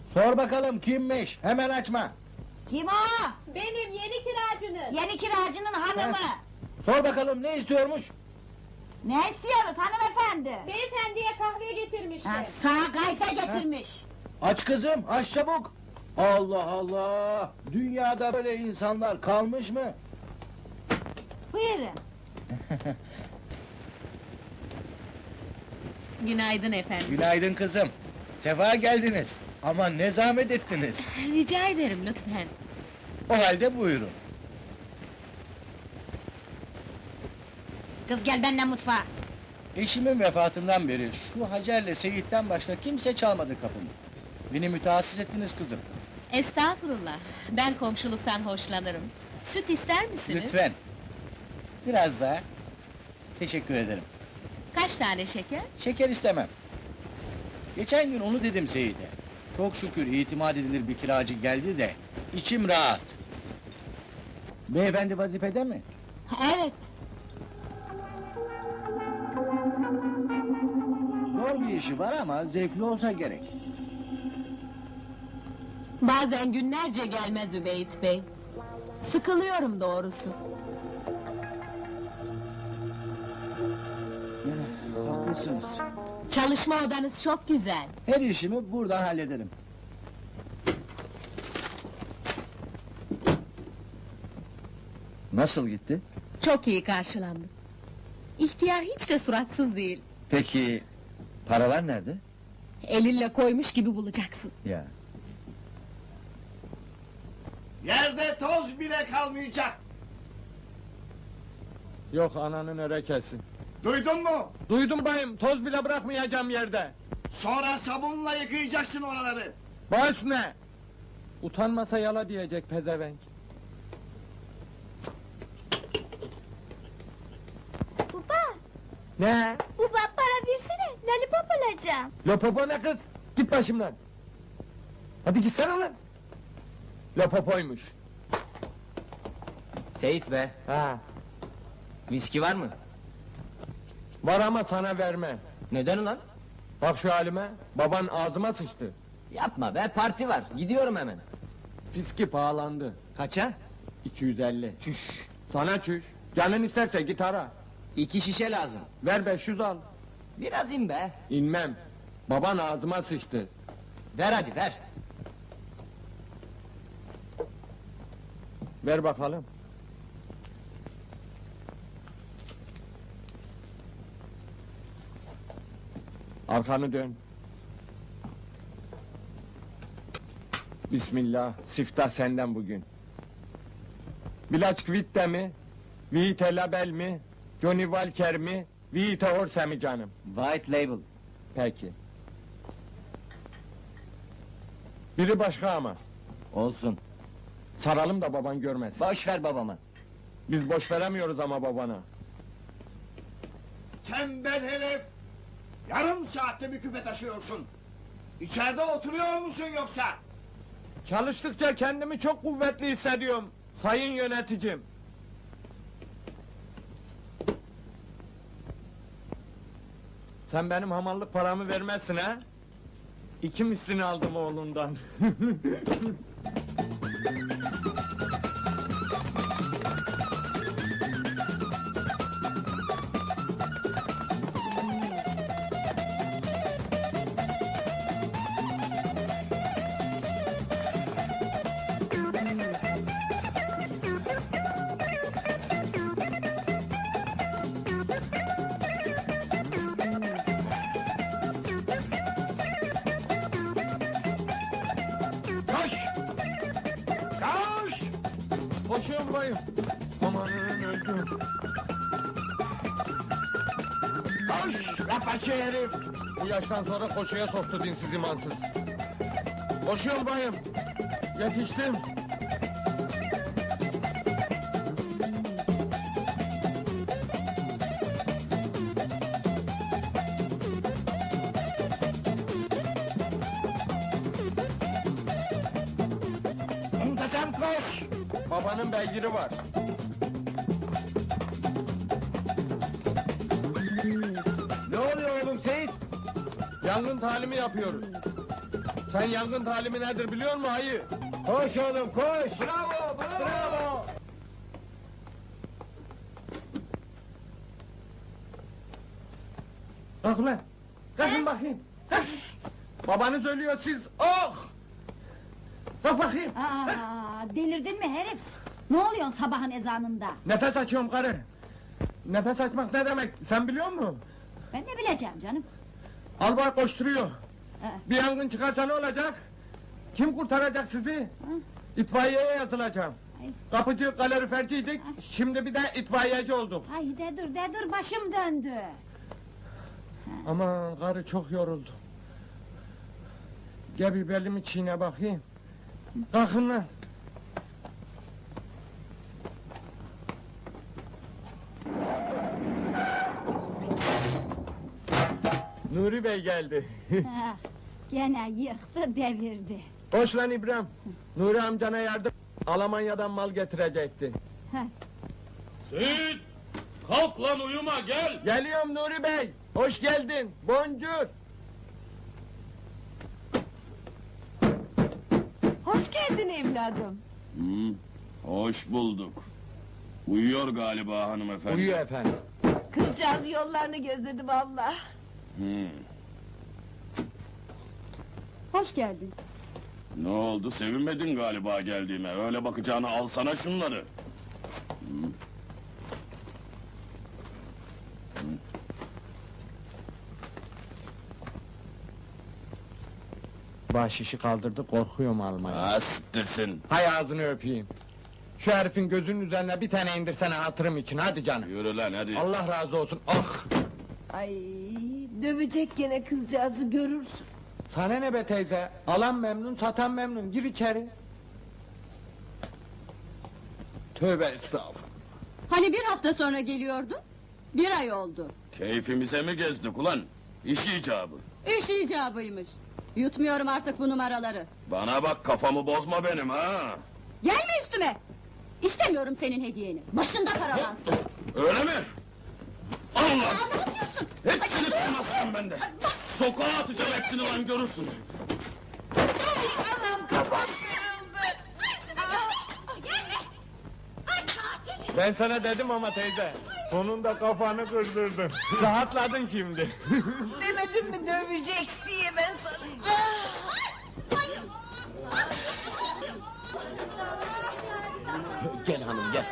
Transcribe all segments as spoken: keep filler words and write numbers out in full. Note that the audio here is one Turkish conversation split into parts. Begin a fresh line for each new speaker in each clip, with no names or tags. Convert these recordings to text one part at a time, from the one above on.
Sor bakalım kimmiş? Hemen açma.
Kim o?
Benim yeni kiracınız.
Yeni kiracının hanımı.
Sor bakalım ne istiyormuş?
Ne istiyoruz hanımefendi?
Beyefendiye kahve getirmişler.
Ha, sağ gayfe getirmiş.
Aç kızım, aç çabuk. Allah Allah! Dünyada böyle insanlar kalmış mı?
Buyurun.
Günaydın efendim.
Günaydın kızım. Sefa geldiniz. Ama ne zahmet ettiniz.
Rica ederim lütfen.
O halde buyurun.
Kız gel benimle mutfağa.
Eşimin vefatından beri şu Hacer'le Seyit'ten başka kimse çalmadı kapımı. Beni mütehassıs ettiniz kızım.
Estağfurullah. Ben komşuluktan hoşlanırım. Süt ister misiniz?
Lütfen. Biraz daha. Teşekkür ederim.
Kaç tane şeker?
Şeker istemem. Geçen gün onu dedim Seyit'e. Çok şükür itimat edilir bir kiracı geldi de içim rahat. Beyefendi vazifede mi?
Evet.
Zor bir işi var ama zevkli olsa gerek.
Bazen günlerce gelmez Übeyt Bey. Sıkılıyorum doğrusu.
Ya, haklısınız.
Çalışma odanız çok güzel.
Her işimi buradan hallederim. Nasıl gitti?
Çok iyi karşılandım. İhtiyar hiç de suratsız değil.
Peki paralar nerede?
Elinle koymuş gibi bulacaksın.
Ya.
Yerde toz bile kalmayacak.
Yok ananın örekesi.
Duydun mu?
Duydum bayım, toz bile bırakmayacağım yerde.
Sonra sabunla yıkayacaksın oraları.
Baş ne? Utanmasa yala diyecek pezevenk.
Baba,
Ne?
baba para versene, lollipop alacağım.
Lopopo ne kız? Git başımdan. Hadi gitsene lan. Lopopoymuş.
Seyit be,
Ha,
viski var mı?
var ama sana vermem.
Neden ulan?
Bak şu halime, baban ağzıma sıçtı.
Yapma be, parti var, gidiyorum hemen.
Fiski pahalandı.
Kaça?
iki yüz elli.
Çüş,
Sana çüş. Canın isterse git ara.
iki şişe lazım.
Ver beş yüz al.
Biraz in be.
İnmem. Baban ağzıma sıçtı.
Ver hadi ver.
Ver bakalım. Arkanı dön. Bismillah, siftah senden bugün. Bilaç Vitte mi? Vite Label mi? Johnny Walker mi? Vite Orse mi canım?
White label.
Peki. Biri başka ama.
Olsun.
Saralım da baban görmesin.
Boş ver babama.
Biz boş veremiyoruz ama babana.
Tembel herif. Yarım saatte bir küpe taşıyorsun. İçeride oturuyor musun yoksa?
Çalıştıkça kendimi çok kuvvetli hissediyorum. Sayın yöneticim. Sen benim hamallık paramı vermezsin ha? İki mislini aldım oğlundan.
Koş! Koş!
Koşuyorum bayım. Amanın öldüm.
Koş! Rapaçı herif!
Bu yaştan sonra koşuya soktu dinsiz imansız. Koşuyorum bayım. Yetiştim.
Muntazam koş!
Babanın beygiri var.
Ne oluyor oğlum Seyit?
Yangın talimi yapıyoruz. Sen yangın talimi nedir biliyor musun ayı? Koş oğlum koş! Bravo, bravo! Bravo! Kalk ulan! Kalkın bakayım! Kalk! Babanız ölüyor siz, oh! Kalk bakayım!
Aa, delirdin mi herif? Ne oluyorsun sabahın ezanında?
Nefes açıyorum karı! Nefes açmak ne demek, sen biliyor musun?
Ben ne bileceğim canım?
Albay koşturuyor!
Ee,
Bir yangın çıkarsa ne olacak? Kim kurtaracak sizi? İtfaiyeye yazılacağım.
Ay.
Kapıcı, kaloriferciydik, şimdi bir de itfaiyeci olduk.
ay de dur de dur başım döndü.
Aman karı çok yoruldu. Gel bir belimi çiğne bakayım. Kalkın lan. Nuri Bey geldi.
Ah, gene yıktı devirdi.
Koş lan İbrahim. Nuri amcana yardım. Almanya'dan mal getirecekti.
Seyit! Kalk lan uyuma gel!
Geliyorum Nuri Bey. Hoş geldin. Boncuk.
Hoş geldin evladım.
Hmm, hoş bulduk. Uyuyor galiba hanımefendi.
Uyuyor efendim.
Kızcağız yollarını gözledi vallahi.
Hmm,
Hoş geldin.
ne oldu sevinmedin galiba geldiğime. Öyle bakacağına alsana şunları.
Baş işi kaldırdı, korkuyorum almaya.
Astırsın.
Hay ağzını öpeyim. Şu herifin gözünün üzerine bir tane indirsene hatırım için, hadi canım.
Yürü lan hadi.
Allah razı olsun, ah!
Ay, dövecek gene kızcağızı görürsün.
Sana ne be teyze? Alan memnun, satan memnun, gir içeri. Tövbe estağfurullah.
Hani bir hafta sonra geliyordun? Bir ay oldu.
Keyfimize mi gezdik ulan? İş icabı.
İş icabıymış. Yutmuyorum artık bu numaraları.
Bana bak kafamı bozma benim ha.
Gelme üstüme! İstemiyorum senin hediyeni. Başında paralansın.
Öyle mi? Allah!
Aa, ne yapıyorsun?
Hepsini tutmazsın bende. Sokağa atacağım hepsini lan görürsün.
Anam kafam kırıldı. Gelme! Ay katil!
Ben sana dedim ama teyze. Sonunda kafanı kırdırdın. Rahatladın şimdi.
Demedim mi dövecek diye ben sana.
Gel hanım gel.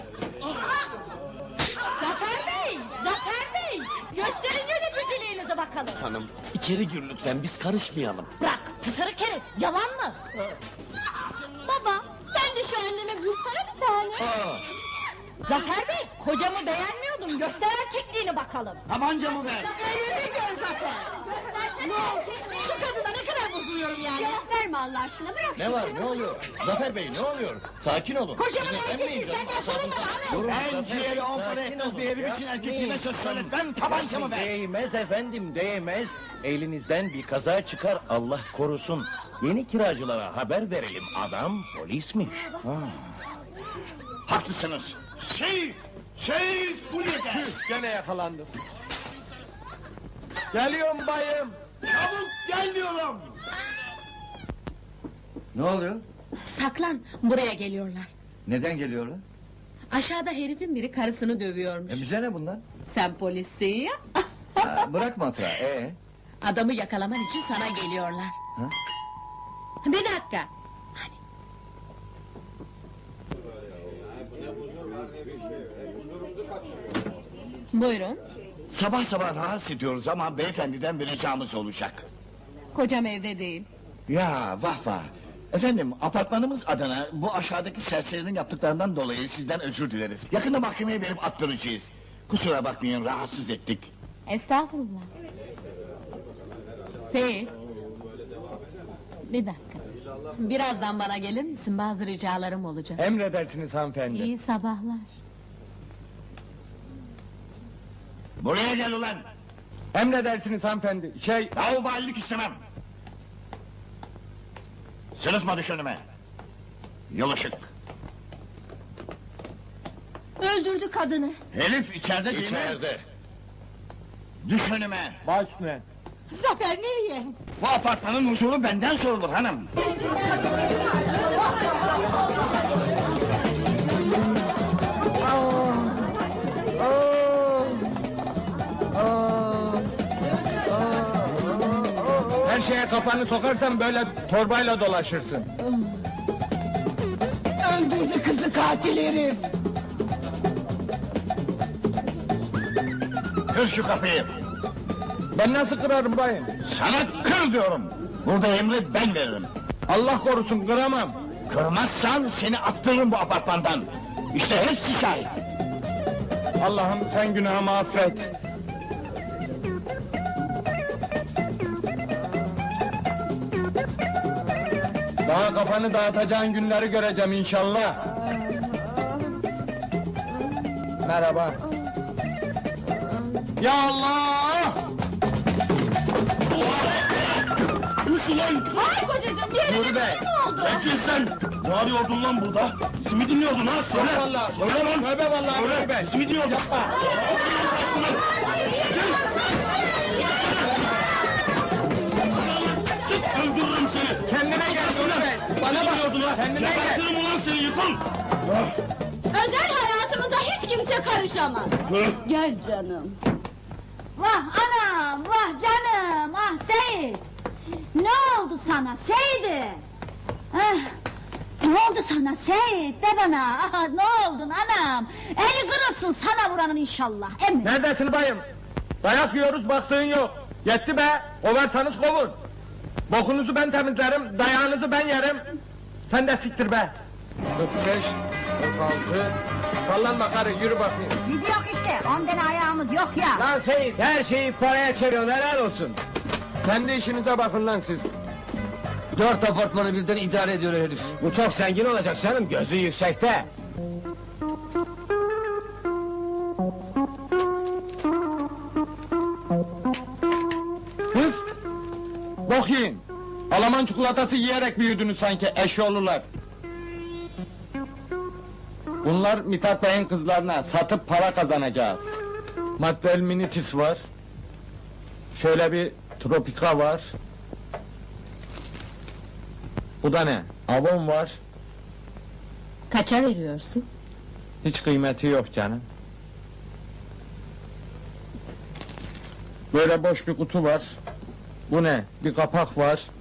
Zafer Bey! Zafer Bey! Gösterin yöneticiliğinizi bakalım.
Hanım içeri gir lütfen biz karışmayalım.
Bırak pısırık herif! Yalan mı?
Baba, sen de şu anneme bulsana bir tane.
Zafer Bey! Kocamı beğenmiyordun. Göster erkekliğini bakalım.
Tabancamı ver!
Elini gör Zafer!
Ne oldu?
Şu kadına ne kadar bozuluyorum yani.
Cevap verme Allah aşkına, bırak
Ne
şunu.
var ne oluyor? Zafer Bey ne oluyor? Sakin olun.
Kocamın
Siz
erkekliği
efendim,
senden sorun var hanım.
Ben ciğeri on para etmez bir herif için erkekliğime söz söyletmem, tabancamı ver!
Değmez efendim, değmez. Elinizden bir kaza çıkar, Allah korusun. Yeni kiracılara haber verelim, adam polismiş.
Haklısınız! Seyit! Seyit! Buraya gel!
Gene yakalandım. Geliyorum bayım.
Çabuk gel diyorum!
Ne oluyor?
Saklan, buraya geliyorlar.
Neden geliyorlar?
Aşağıda herifin biri karısını dövüyormuş.
E bize ne bunlar?
Sen polissin ya.
Ha, bırak matrağı, ee?
Adamı yakalaman için sana geliyorlar.
Ha?
Bir dakika. Buyurun.
Sabah sabah rahatsız ediyoruz ama beyefendiden bir ricamız olacak.
Kocam evde değil.
Ya vah vah! Efendim, apartmanımız adına bu aşağıdaki serserinin yaptıklarından dolayı sizden özür dileriz. Yakında mahkemeye verip attıracağız. Kusura bakmayın, rahatsız ettik.
Estağfurullah. Seyit. Bir dakika. Birazdan bana gelir misin? Bazı ricalarım olacak.
Emredersiniz hanımefendi.
İyi sabahlar.
Buraya gel ulan!
Emredersiniz hanımefendi. Şey,
Laubalilik istemem! Sırıtma düş önüme! Yol ışık!
Öldürdü kadını.
Herif içeride değil mi?
İçeride.
Düş önüme!
baş üstüne.
Zafer nereye?
Bu apartmanın huzuru benden sorulur hanım.
Her şeye kafanı sokarsan böyle torbayla dolaşırsın.
Öldürdü kızı katil herif.
Kır şu kapıyı.
Ben nasıl kırarım bayım?
Sana kır diyorum. Burada emri ben veririm.
Allah korusun kıramam.
Kırmazsan seni attırırım bu apartmandan. İşte hepsi şahit.
Allah'ım sen günahımı affet. Daha kafanı dağıtacağın günleri göreceğim inşallah. Merhaba. Ya Allah!
Sus ulan!
Ay kocacığım bir yerine
Nuri
bir
Bey,
şey mi oldu?
Sen kimsin? Ne arıyordun lan burada? Bizi dinliyordun ha? Söyle!
vallahi.
Söyle lan!
Tövbe vallahi
Söyle!
Nuri Bey.
Bizi mi dinliyordun? Yapma! Çık! Öldürürüm seni!
Kendine gel Nuri Bey.
Bana bakıyordun ha!
Kendine gel.
Gebertirim ulan seni, yıkıl!
Özel hayatımıza hiç kimse karışamaz.
Hı?
Gel canım. Vah anam, vah canım, ah Seyit. Ne oldu sana Seyit? Ah, ne oldu sana Seyit? De bana, ah, ne oldun anam? Eli kırılsın sana vuranın inşallah, emin.
Neredesin bayım? Dayak yiyoruz baktığın yok. Yetti be. Kovarsanız kovun. Bokunuzu ben temizlerim, dayağınızı ben yerim. Sen de siktir be. kırk beş, kırk altı. Sallanma karı, yürü bakayım.
Gidiyor işte, on tane ayağımız yok ya.
Lan Seyit, her şeyi paraya çeviriyorsun, helal olsun. Kendi işinize bakın lan siz.
Dört apartmanı birden idare ediyor herif.
Bu çok zengin olacak canım, gözü yüksekte. Kız! Bok yiyin! Alaman çikolatası yiyerek büyüdünüz sanki, eşyoğlular. Bunlar Mithat Bey'in kızlarına, satıp para kazanacağız. Maddel minitis var. Şöyle bir tropika var. Bu da ne? Avon var.
Kaça veriyorsun?
Hiç kıymeti yok canım. Böyle boş bir kutu var. Bu ne? Bir kapak var.